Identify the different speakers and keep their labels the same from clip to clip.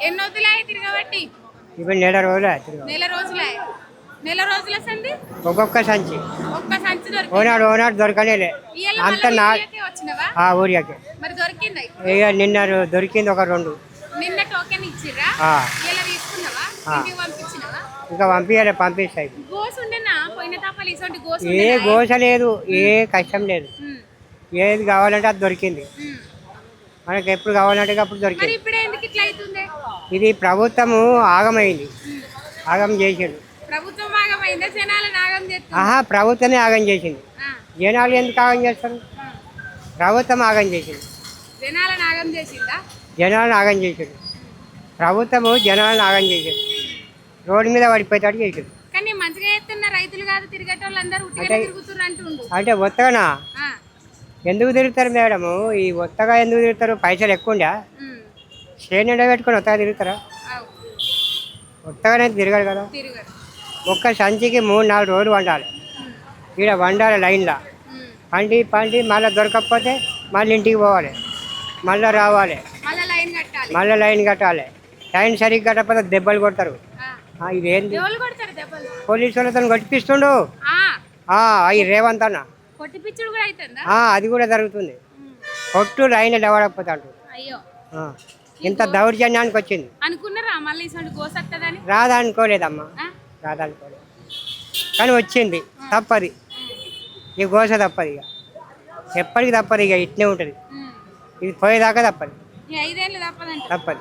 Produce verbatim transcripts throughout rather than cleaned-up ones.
Speaker 1: ఎన్ని రోజులే తిరగబట్టి?
Speaker 2: ఇప్పుడు నెల రోజులే.
Speaker 1: నెల రోజులే. నెల రోజుల సంది
Speaker 2: ఒక్కొక్క సంచి
Speaker 1: ఒక్క సంచి దొరికింది.
Speaker 2: ఓనాడు ఓనాడు దొరకలేలే అంత నా
Speaker 1: వచ్చినవా?
Speaker 2: ఊరికే
Speaker 1: మరి దొరికిందా?
Speaker 2: ఇక నిన్న దొరికింది ఒక రెండు.
Speaker 1: నిన్న టోకెన్ ఇచ్చిర్రా? ఇలా తీసుకున్నావా? ఇంటికి పంపించినవా?
Speaker 2: ఇంకా పంపించాలి, పంపిస్తాయి.
Speaker 1: గోసు ఉండేనా పోయిన తాపలు? ఇసోంటి గోసు
Speaker 2: ఏ గోస లేదు, ఏ కష్టం లేదు. ఏది కావాలంటే అది దొరికింది మనకి. ఎప్పుడు కావాలంటే అప్పుడు దొరికింది.
Speaker 1: ఇప్పుడు ఎందుకు ఇట్లా అవుతుంది?
Speaker 2: ఇది ప్రభుత్వము ఆగమైంది, ఆగం చేసిండు.
Speaker 1: ప్రభుత్వం ఆగమైందా? జనాలను ఆగం చేస్తుంది.
Speaker 2: ఆహా, ప్రభుత్వమే ఆగం చేసింది. జనాలు ఎందుకు ఆగం చేస్తారు? ప్రభుత్వం ఆగం చేసింది.
Speaker 1: జనాలను ఆగం చేసిందా?
Speaker 2: జనాలను ఆగం చేసిండు ప్రభుత్వము, జనాలను ఆగం చేసిండు. రోడ్డు మీద పడిపోయేటట్టు చేసిండు.
Speaker 1: కానీ మంచిగా చేస్తున్న రైతులు కాదు, తిరిగేటోళ్ళు అందరూ ఉట్టిగా తిరుగుతున్నారు అంటుండు.
Speaker 2: అంటే ఒత్తగానా ఎందుకు తిరుగుతారు మేడము? ఈ ఒత్తగా ఎందుకు తిరుగుతారు? పైసలు ఎక్కువ ఉండా శ్రేణి పెట్టుకొని ఒత్తగా తిరుగుతారా? ఒత్తగానే తిరగరు కదా. ఒక్క సంచికి మూడు నాలుగు రోజులు వండాలి. ఇక్కడ వండాలి లైన్లో, పండి పండి మళ్ళీ దొరకకపోతే మళ్ళీ ఇంటికి పోవాలి, మళ్ళీ రావాలి, మళ్ళీ లైన్ కట్టాలి. లైన్ సరిగ్గా కట్టకపోతే దెబ్బలు కొడతారు. ఇదేంటి పోలీసు వాళ్ళతో కొట్టిపిస్తుండు అవి రేవంత్ అన్న. అది కూడా జరుగుతుంది. కొట్టు లైన్ లేవడకపోతే అంటు ఇంత దౌర్జన్యానికి వచ్చింది. రాదా అనుకోలేదమ్మా, రాదా అనుకోలేదు. కానీ వచ్చింది. తప్పది, ఈ గోస తప్పదు. ఇక ఎప్పటికి తప్పదు, ఇక ఇట్నే ఉంటుంది. ఇది పోయేదాకా తప్పదు, తప్పదు.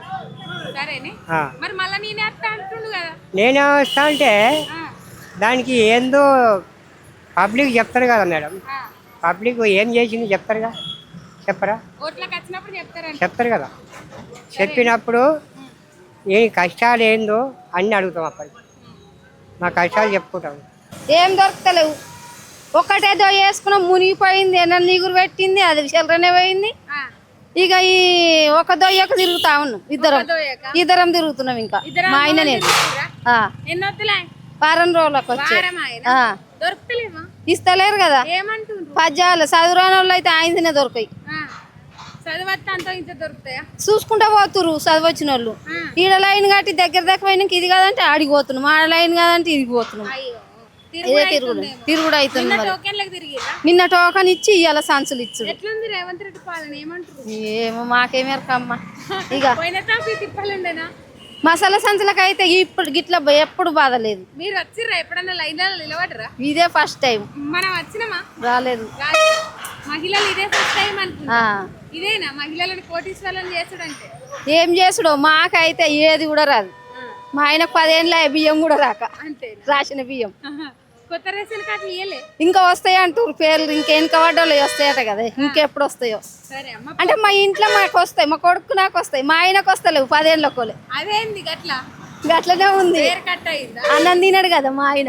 Speaker 2: నేనే వస్తా అంటే దానికి ఏందో పబ్లిక్ చెప్తారు కదా మేడం. పబ్లిక్ ఏం చేసింది చెప్తారుగా, చెప్పరా? చెప్తారు కదా. చెప్పినప్పుడు ఏ కష్టాలు ఏందో అన్నీ అడుగుతాం. అప్పటికి మా కష్టాలు చెప్పుకుంటాం.
Speaker 3: ఏం దొరకలేవు. ఒక్కటేదో వేసుకున్నాం, మునిగిపోయింది, ఏమన్నా నీగురు పెట్టింది, అది చిల్లరనే పోయింది. ఇక ఈ ఒక దొయ్యకు తిరుగుతా ఉన్నాం, ఇద్దరం ఇద్దరం తిరుగుతున్నాం. ఇంకా మా ఆయన నేను వారం రోజులకు వచ్చి ఇస్తలేరు కదా. పద్యాలు చదువురాని వాళ్ళు అయితే ఆయననే దొరకాయి. చూసుకుంటా పోతురు చదువు వాళ్ళు. ఈడ లైన్ కట్టి దగ్గర దగ్గర పోయినాక ఇది కాదంటే ఆడికి పోతున్నాం, ఆడ లైన్ కాదంటే ఇదికి పోతున్నాం. ఇదే తిరుగుడు తిరుగుడు అవుతుంది. నిన్న టోకన్ ఇచ్చి ఇవాళ సంచులు ఇచ్చు. ఏమో మాకేమేరకమ్మా. ఇక మసాలా సంచులకు అయితే ఇప్పుడు గిట్ల ఎప్పుడు బాధ లేదు.
Speaker 1: మీరు వచ్చిర్రా ఎప్పుడన్నా లైన్ నిలబడరా?
Speaker 3: ఇదే ఫస్ట్ టైం.
Speaker 1: మనం వచ్చినామా?
Speaker 3: రాలేదు.
Speaker 1: మహిళలు ఇదే ఫస్ట్ టైం అనుకుంటా. ఇదేనా మహిళలను కోటీశ్వరులను చేసుడంటే?
Speaker 3: ఏం చేసుడో మాకైతే ఏది కూడా రాదు. మా ఆయనకు పదేళ్ళ బియ్యం కూడా రాక, రాసిన బియ్యం.
Speaker 1: కొత్త రేషన్ కార్డు ఇయ్యలే? ఇంకా
Speaker 3: వస్తాయి అంటారు పేర్లు. ఇంకెనక పడ్డోళ్ళు వస్తాయట కదా, ఇంకెప్పుడు వస్తాయో. అంటే మా ఇంట్లో మాకు వస్తాయి, మా కొడుకు నాకు వస్తాయి, మా ఆయనకు వస్తలేవు పదేళ్ళ కోలే.
Speaker 1: అదేంది గట్లా?
Speaker 3: గట్లనే ఉంది. అన్నం తినడు కదా మా ఆయన,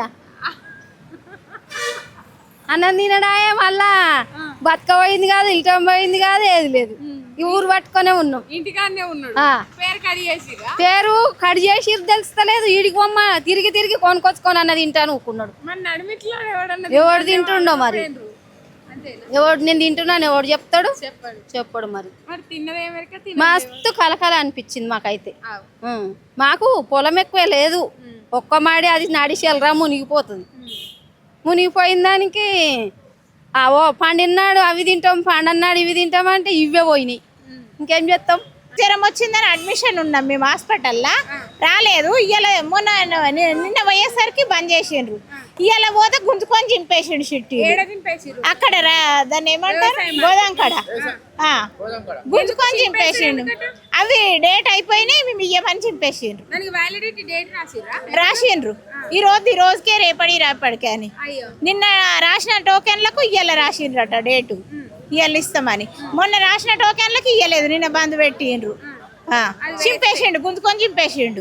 Speaker 3: అన్నం తినడాయే. మళ్ళా బతక పోయింది కాదు, ఇల్టం పోయింది కాదు, ఏది లేదు. ఈ ఊరు పట్టుకునే ఉన్నాం,
Speaker 1: ఇంటికాడనే ఉన్నాడు.
Speaker 3: పేరు కడి చేసి తెలుస్తలేదు. ఈడికి బొమ్మ తిరిగి తిరిగి కొనుకొచ్చుకొని అన్నది తింటాను ఊకున్నాడు. ఎవడు తింటుండో మరి, ఎవడు నేను తింటున్నాను ఎవడు చెప్తాడు? చెప్పడు మరి. మస్తు కలకల అనిపించింది మాకైతే. మాకు పొలం ఎక్కువ లేదు, ఒక్క మాడి అది నడిచేలరా మునిగిపోతుంది. మునిగిపోయిన దానికి ఓ పండినాడు అవి తింటాం, పండన్నాడు ఇవి తింటాం అంటే ఇవే పోయినాయి. ఇంకేం చేస్తాం?
Speaker 4: జ్వరం వచ్చిందని అడ్మిషన్ ఉన్నాం మేము హాస్పిటల్లో, రాలేదు. ఇవాళ మొన్న నిన్న పోయేసరికి బంద్ చేసిండ్రు. ఇవాళ పోతే గుంజుకొని చింపేసిండు షిట్టి. అక్కడ దాన్ని ఏమంటారు, గోదాంకడ గుంజుకొని చింపేసిండు. అవి డేట్ అయిపోయినాయి, మేము ఇయ్యమని చింపేసిండ్రు. రాసిండ్రు ఈ రోజు ఈ రోజుకే రేపడి రేపడికే అని. నిన్న రాసిన టోకెన్లకు ఇవాళ రాసిండ్రట డేటు, ఇవాళ ఇస్తామని. మొన్న రాసిన టోకెన్లకు ఇవ్వలేదు, నిన్న బంద్ పెట్టిండ్రు. చింపేసిండు, గుంజుకొని చింపేసిండు.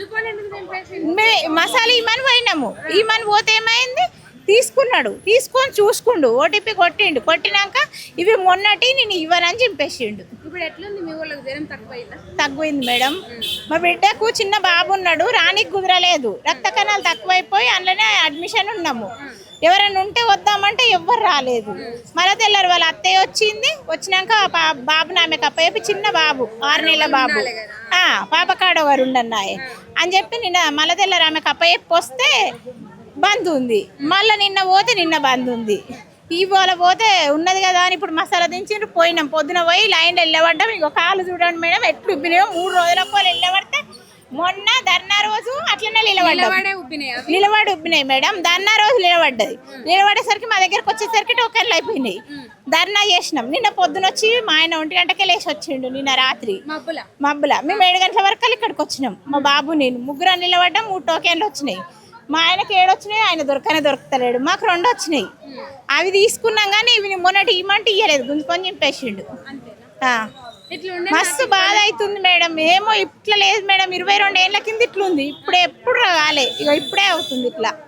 Speaker 4: మసాలా ఇమ్మని పోయినాము, ఇమ్మని పోతే ఏమైంది, తీసుకున్నాడు, తీసుకొని చూసుకుండు, ఓటీపీ కొట్టిండు. కొట్టినాక ఇవి మొన్నటి నేను ఇవ్వనని చింపేసిండు. తగ్గుయింది మేడం. మా బిడ్డకు చిన్న బాబు ఉన్నాడు, రానికి కుదరలేదు, రక్త కణాలు తక్కువైపోయి అందులోనే అడ్మిషన్ ఉన్నాము. ఎవరైనా ఉంటే వద్దామంటే ఎవ్వరు రాలేదు. మళ్ళీ తెల్లారు వాళ్ళ అత్తయ్య వచ్చింది. వచ్చినాక పా- బాబుని ఆమెకు అప్పయ్యపి చిన్న బాబు ఆరు నెలల బాబు ఆ, పాప కాడ వారు ఉండన్నాయి అని చెప్పి నిన్న మళ్ళీ తెల్లారు ఆమెకు అప్పయ్యప్పి వస్తే బంద్ ఉంది. మళ్ళీ నిన్న పోతే నిన్న బంద్ ఉంది. ఇవాళ పోతే ఉన్నది కదా అని ఇప్పుడు మసాలా దించి పోయినాం. పొద్దున పోయి లైన్లో వెళ్ళబడ్డాం. ఇంకో కాలు చూడండి మేడం ఎట్లు ఉబ్బినాయో. మూడు రోజుల పోలు వెళ్ళబడితే మొన్న ధర్నా రోజు అట్లనే నిలబడ్డాం. నిలబడి ఉబ్బినాయి మేడం. ధర్నా రోజు నిలబడ్డది. నిలబడేసరికి మా దగ్గరకు వచ్చేసరికి టోకెన్లు అయిపోయినాయి. ధర్నా చేసినాం. నిన్న పొద్దున వచ్చి మా ఆయన ఒంటి గంటకే లేచి వచ్చిండు. నిన్న రాత్రి మబ్బుల మేము ఏడు గంటల వరకు ఇక్కడికి వచ్చినాం. మా బాబు నేను ముగ్గురు నిలబడ్డాం. మూడు టోకెన్లు వచ్చినాయి. మా ఆయనకి ఏడు వచ్చినాయి. ఆయన దొరకనే దొరకతలేడు. మాకు రెండు వచ్చినాయి. అవి తీసుకున్నాం కానీ ఇవి మొన్నటి ఇమ్మంటే ఇయ్యలేదు. గుంజుకొని చింపేసిండు. మస్తు బాధ అవుతుంది మేడం. ఏమో ఇట్లా లేదు మేడం. ఇరవై రెండు ఏళ్ళ కింద ఇట్లుంది. ఇప్పుడు ఎప్పుడు రాలే. ఇక ఇప్పుడే అవుతుంది ఇట్లా.